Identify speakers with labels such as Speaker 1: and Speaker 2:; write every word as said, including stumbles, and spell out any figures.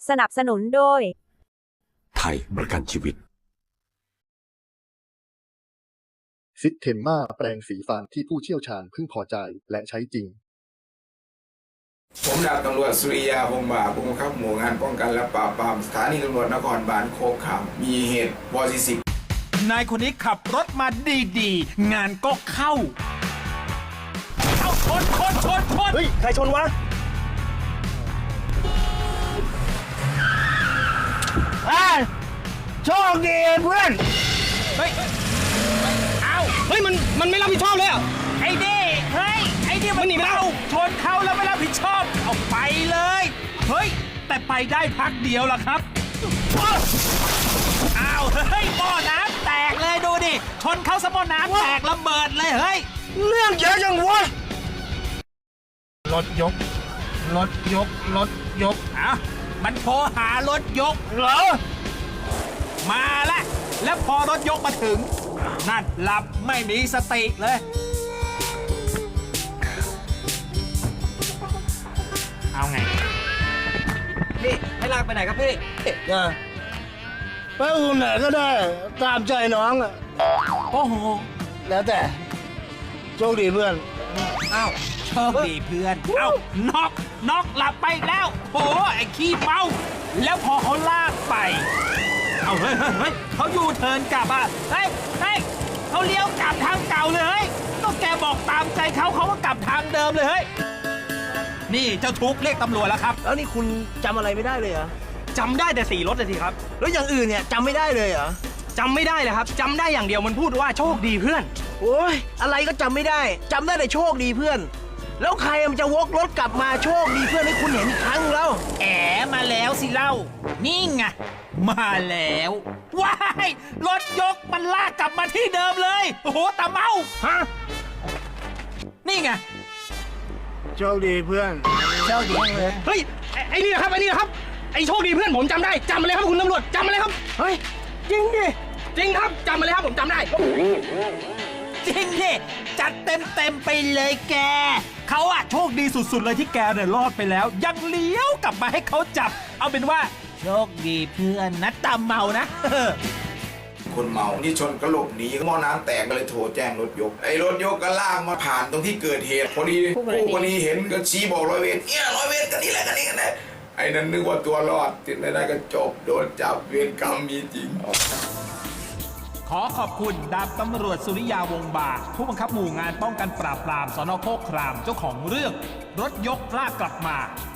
Speaker 1: สนับสนุนโดย
Speaker 2: ไทยประกันชีวิต
Speaker 3: ซิสเทมมาแปรงสีฟันที่ผู้เชี่ยวชาญพึงพอใจและใช้จริง
Speaker 4: ผมดาบตำรวจสุริยาพงษ์บาผู้บังคับหมู่งานป้องกันและปราบปรามสถานีตำรวจนครบาลโคกขามมีเหตุวอซิสิบ
Speaker 5: นายคนนี้ขับรถมาดีๆงานก็เข้าเข้าชนชนชนชน
Speaker 6: เฮ้ยใครชนวะอ่าโชคดีเพื่อน
Speaker 5: เฮ้ยเอา
Speaker 6: เฮ้ยมันมันไม่รับผิดชอบเลยอ่ะ
Speaker 5: ไอ้นี่เฮ้ยไอ้นี่มันหนีไปแล้วชนเขาแล้วไม่รับผิดชอบเอาไปเลยเฮ้ยแต่ไปได้พักเดียวล่ะครับอ้าวเฮ้ยหม้อน้ำแตกเลยดูดิชนเขาสะหม้อน้ำแตกระเบิดเลยเฮ้ย
Speaker 6: เรื่องเยอะจังวะรถยกรถยกรถยก
Speaker 5: อ่ะมันโทรหารถยก
Speaker 6: เหรอ
Speaker 5: มาแล้วแล้วพอรถยกมาถึงนั่นหลับไม่มีสติเลยเอาไง
Speaker 6: พี่ให้ลากไปไหนครับพี่อ่าไปอุ่นไหนก็ได้ตามใจน้องอ่ะ
Speaker 5: โอ้โห
Speaker 6: แล้วแต่โชคดีเพื่อน
Speaker 5: อ้าวโชคดีเพื่อนเอ้าน็อกน็อกหลับไปแล้วโอ้ไอ้ขี้เมาแล้วพอเขาลากไปเอาเฮ้ยเฮ้ยเฮ้ยเขายูเทิร์นกลับอ่ะเฮ้ยเฮ้ยเขาเลี้ยวกลับทางเก่าเลยเฮ้ยก็แกบอกตามใจเขาเขาก็กลับทางเดิมเลยเฮ้ยนี่เจ้าทุกเรียกตำรวจแล้วครับ
Speaker 6: แล้วนี่คุณจำอะไรไม่ได้เลยเหรอ
Speaker 7: จำได้แต่สีรถเลยทีครับ
Speaker 6: แล้วอย่างอื่นเนี่ยจำไม่ได้เลยเหรอ
Speaker 7: จำไม่ได้เลยครับจำได้อย่างเดียวมันพูดว่าโชคดีเพื่อน
Speaker 6: โอ้ยอะไรก็จำไม่ได้จำได้แต่โชคดีเพื่อนแล้วใครมันจะวกรถกลับมาโชคดีเพื่อนให้คุณเห็นอีกครั้งแล้ว
Speaker 5: แอ๋มาแล้วสิเล่านี่ไงมาแล้วว้ายรถยกมันลากกลับมาที่เดิมเลยโอ้โหตาเมา
Speaker 6: ฮะ
Speaker 5: นี่ไง
Speaker 6: โชคดีเพื่อน
Speaker 5: โชคดีเลย
Speaker 7: เฮ้ยไอ้นี่นะครับไอ้นี่นะครับไอ้โชคดีเพื่อนผมจำได้จำมาเลยครับคุณตำรวจจำมาเลยครับ
Speaker 6: เฮ้ยจริงดิ
Speaker 7: จริงครับจำมาเลยครับผมจำได้
Speaker 5: จริงดิจัดเต็มเต็มไปเลยแกเขาอะโชคดีสุดๆเลยที่แกเนี่ยรอดไปแล้วยังเลี้ยวกลับมาให้เขาจับเอาเป็นว่าโชคดีเพื่อนนะตามเมานะ
Speaker 4: คนเมานี่ชนกระหลบหนีหม้อน้ำแตกก็เลยโทรแจ้งรถยกไอ้รถยกก็ลากมาผ่านตรงที่เกิดเหตุพอดีผู้กรณีเห็นก็ชี้บอกร้อยเวรเนี่ยร้อยเวรกันนี่แหละกันนี่กันนะไอ้นั่นนึกว่าตัวรอดติดไม่ได้ก็จบโดนจับเวรกรรมมีจริง
Speaker 5: ขอขอบคุณดาบตำรวจสุริยาวงศ์บาผู้บังคับหมู่งานป้องกันปราบปรามสน.โคกครามเจ้าของเรื่องรถยกลากกลับมา